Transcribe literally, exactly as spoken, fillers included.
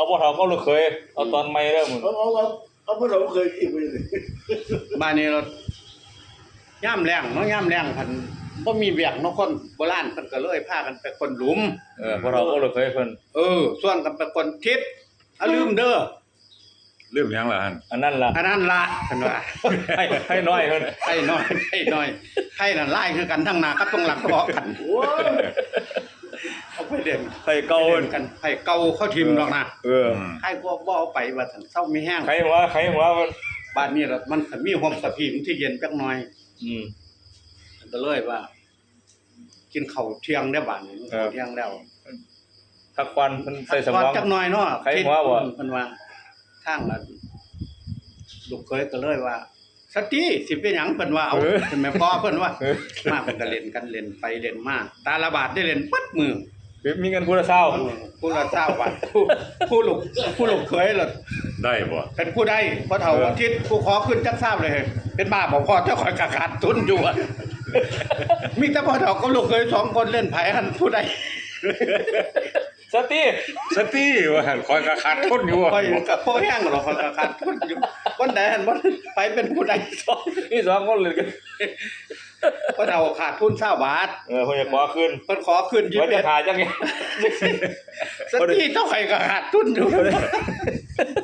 เอาพ่อเฒ่าก็ลูกเคยเอาตอนใหม่เด้อมึงเอาเอาเอาเอาพ่อเราเคยอีกไปเลยบ้านนี้เราย่ำแรงเนาะย่ำแรงพันบ่มีเวียกเนาะคนโบราณเพิ่นก็เลยพากันไปคนหลุมเออพ่อเฒ่าก็ลูกเคยเพิ่นเออส่วนกันไปคนทิศอย่าลืมเด้อเริ่มยังล่ะฮั่นอันนั้นล่ะอันนั้นละเพิ่นว่าให้ให้น้อยเพิ่นให้น้อยให้น้อยให้นั่นไล่คือกันทั้งหน้ากับตรงหลังทะเลาะกันโอ้ยเอาไปเล่นให้เก่าเล่นกันให้เก่าเข้าทิมดอกนะเอออืมให้พวกบ่เอาไปว่าซั่นเซามีแห้งใครหัวใครหัวมันบ้านนี้ล่ะมันก็มีความสะพิมที่เย็นจักหน่อยอืมก็เลยว่า กินข้าวเที่ยงได้บ้านนี้เออข้าวเที่ยงแล้วทักควันเพิ่นใส่สมก่อนองจักหน่อยเนาะใครว่าบ่เพิ่นว่าทางละลูกเคยก็เลยว่าสติสิเป็นหยังเพิ่นว่าเอาเพิ่นแม่พ่อเพิ่นว่าเออมาเพิ่นก็เล่นกันเล่นไปเล่นมาตาละบาทได้เล่นปัดมือมีเงินผู้ละเศร้าผู้ละเจ้าบาทผู้ผู้ลูกผู้ลูกเคยล่ะได้บ่เป็นผู้ใดบ่เฒ่าอาทิตย์ผู้ขอขึ้นจักทราบเลย เป็นบ้าบ่พอเจ้าข่อยกะขาดทุนอยู่อะมีแต่พ่อเฒ่ากับลูกเคยสองคนเล่นไผหันผู้ใดสติสติว่าหั่นคอยกะขาดทุนอยู่ข่อยก็พอแห้งหรอกข่อยกะขาดทุนอยู่วันใดหันบ่ไปเป็นผู้ใดสองนี่สองคนเลยกันพ่อเฒ่าขาดทุนเก้าบาทเออเพิ่นจะขอคืนเพิ่นขอขึ้นยี่ว่าสิบจะเอ็ดถ่ายจังไงสติเจ้าข่อยก็ขาดทุนอยู่